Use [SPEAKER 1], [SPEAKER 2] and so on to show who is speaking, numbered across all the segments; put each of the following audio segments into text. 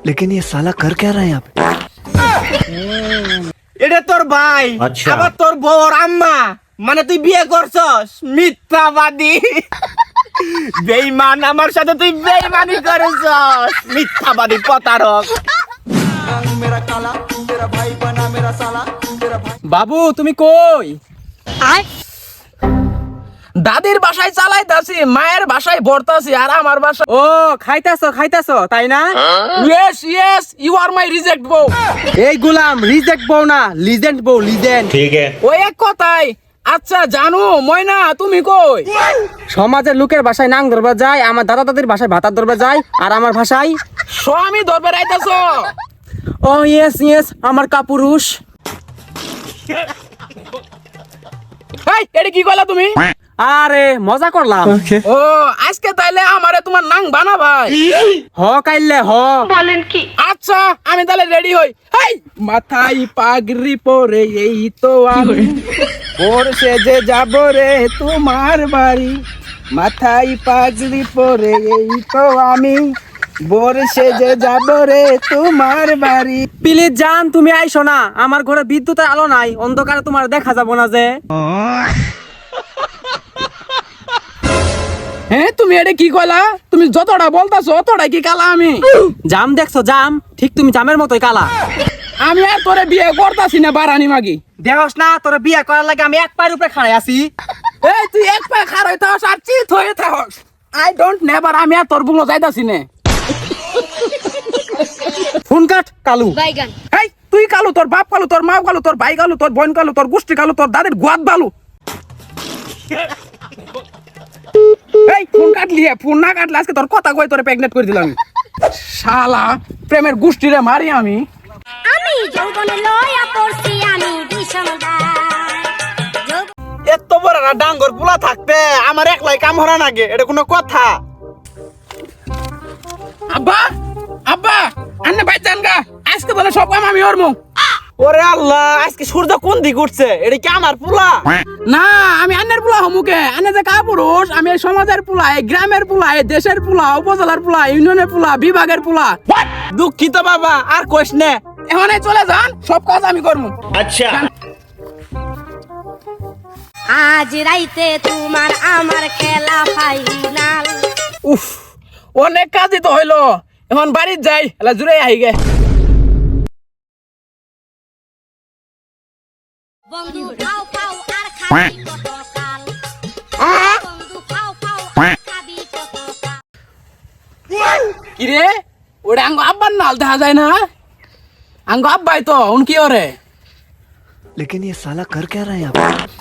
[SPEAKER 1] लेकिन ये साला कर क्या रहा है यहाँ पे?
[SPEAKER 2] এটা তোর ভাই
[SPEAKER 3] আচ্ছা।
[SPEAKER 2] আবার তোর বউর আম্মা মানে তুই বিয়ে করছস মিথ্যাবাদী বেঈমান আমার সাথে তুই বেঈমানি করেছস মিথ্যাবাদী প্রতারক বাবু তুমি কই দাদির বাসায় চালাইতাছি মায়ের বাসায় ভরতাছি আর আমার বাসায়
[SPEAKER 4] ও খাইতাছো তাই না?
[SPEAKER 2] Yes yes you are my reject বউ
[SPEAKER 4] এই গুলাম রিজেক্ট বউ না, লিজেন্ড বউ, লিজেন্ড।
[SPEAKER 3] ठीक है।
[SPEAKER 2] ওই এক কথাই আচ্ছা জানো ময়না তুমি কই
[SPEAKER 4] সমাজের লোকের ভাষায় নাং ধরবা যায়, আমার দাদা দাদির ভাষায় ভাতার ধরবা যায়, আর আমার ভাষায়
[SPEAKER 2] স্বামী ধরবে রাইতাছো
[SPEAKER 4] ও ইয়েস ইয়েস আমার কাপুরুষ।
[SPEAKER 2] এই এটা কি কইলা তুমি
[SPEAKER 4] আরে মজা করলাম।
[SPEAKER 2] ও আজকে তাইলে আমারে তোমার নাং বানা ভাই
[SPEAKER 4] হ কাইলে হ।
[SPEAKER 2] আচ্ছা আমি তাহলে রেডি হই হেই মাথায় পাগড়ি পরে এই তো আমি ভোর সেজে যাব রে তোমার বাড়ি মাথায় পাগড়ি পরে এই তো আমি ভোর সেজে যাব রে তোমার বাড়ি
[SPEAKER 4] প্লিজ জান তুমি আইসো না, আমার ঘরে বিদ্যুতের আলো নাই, অন্ধকারে তোমার দেখা যাব না যে।
[SPEAKER 2] হ্যাঁ তুমি এটা কি কইলা তুমি যতটা বলতাছো অতটাই কি কালা আমি
[SPEAKER 4] জাম দেখছো জাম, ঠিক তুমি জামের মতোই কালা।
[SPEAKER 2] আমি আর তোরে বিয়ে করতাছি না বারানি মাগি
[SPEAKER 4] দেহস না তোর বিয়ে করার লাগে আমি এক পায়ের উপরে খাড়াই আছি।
[SPEAKER 2] এই তুই এক পা খার হইতাস আর চিত হয়ে থাকস আই ডোন্ট নেভার আমি আর তোর বুলো যাইতাছি না
[SPEAKER 4] ফোন কাট কালু।
[SPEAKER 5] বাইগান
[SPEAKER 2] এই তুই কালু তোর বাপ কালু তোর মা কালু তোর ভাই কালু তোর বোন কালু তোর গোষ্ঠী কালু তোর দাদির গোয়াত বালু এই ফোন কাটলি ফোন না কাটলে আজকে তোর কথা কই তোরে প্রেগনেন্ট করে দিলাম শালা প্রেমের গোষ্ঠীরে মারি আমি
[SPEAKER 5] আমি যৌবনে লয়া পড়ছি আমি ভীষণ
[SPEAKER 2] এত বড় না ডাঙ্গর পুলা থাকতে আমার একলাই কাম হরা নাগে এটা কোনো কথা আব্বা আব্বা আন্নে ভাই জানগা আজকে বলে সব কাম আমি ওরমু ওরে আল্লাহ আজকে সূর্য কোন দিক উঠছে এটা কি আমার পুলা না আমি আন্নের পুলা হমুকে আন্নে যে কাপুরুষ আমি এই সমাজের পুলা এই গ্রামের পুলা এই দেশের পুলা উপজেলার পুলা ইউনিয়নের পুলা বিভাগের পুলা দুঃখিত বাবা আর কইস নে এখন চলে যান সব কাজ আমি করমু
[SPEAKER 3] अच्छा।
[SPEAKER 5] আজ রাইতে তোমার আমার খেলা ফাইনাল
[SPEAKER 2] উফ অনেক কাজই তো হইলো এখন বাড়ির যাই এলা জুড়ে আই গে
[SPEAKER 5] বন্ধু খাও খাও আর খাবি কত কাল বন্ধু খাও খাও আর খাবি কত কাল
[SPEAKER 2] কিরে ওটা আঙ্গ আব্বার নাল দেখা যায় না আঙ্গ আব্বাই তো উন কি ওরে
[SPEAKER 1] लेकिन ये साला कर क्या रहा है यहाँ पे?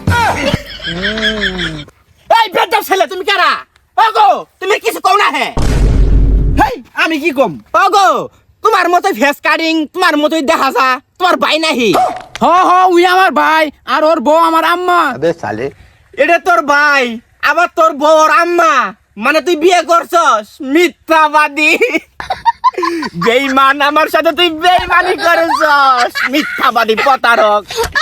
[SPEAKER 2] এই বেদব ছেলে তুমি কারা ওগো তুমি কিছু কও না হে হেই আমি কি কম ওগো তোমার মতই ফেস কাটিং তোমার মতই দেখা যা তোমার ভাই নাহি হ হ উই আমার ভাই আর ওর বউ আমার আম্মা
[SPEAKER 1] अबे साले
[SPEAKER 2] এটা তোর ভাই আবার তোর বউর আম্মা মানে তুই বিয়ে করছস মিথ্যাবাদী বেঈমান আমার সাথে তুই বেঈমানি করেছস মিথ্যাবাদী প্রতারক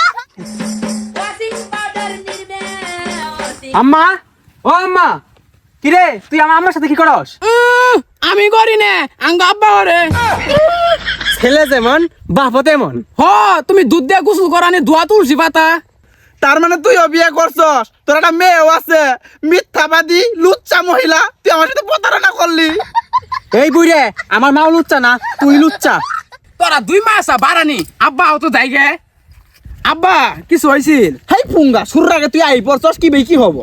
[SPEAKER 4] আম্মা ও আম্মা কিরে তুই আমার আম্মার সাথে কি করস?
[SPEAKER 2] আমি করি না আঙ্গ আব্বা ওরে
[SPEAKER 4] ছেলে যেমন বাপও তেমন।
[SPEAKER 2] হ তুমি দুধ দিয়ে গোসল করানি ধোয়া তুলসী পাতা তার মানে তুইও বিয়ে করছস তোর একটা মেয়েও আছে মিথ্যাবাদী লুচ্চা মহিলা তুই আমার সাথে প্রতারণা করলি
[SPEAKER 4] এই বুইরে আমার মাও লুচ্চা না তুই লুচ্চা।
[SPEAKER 2] তোরা 2 মাস বাড়ানি আব্বা তো যাই গে আব্বা কিছু হয়েছিল হেই পুঙ্গা শুরুর আগে তুই আই পড়ছস কি বেই কি হবো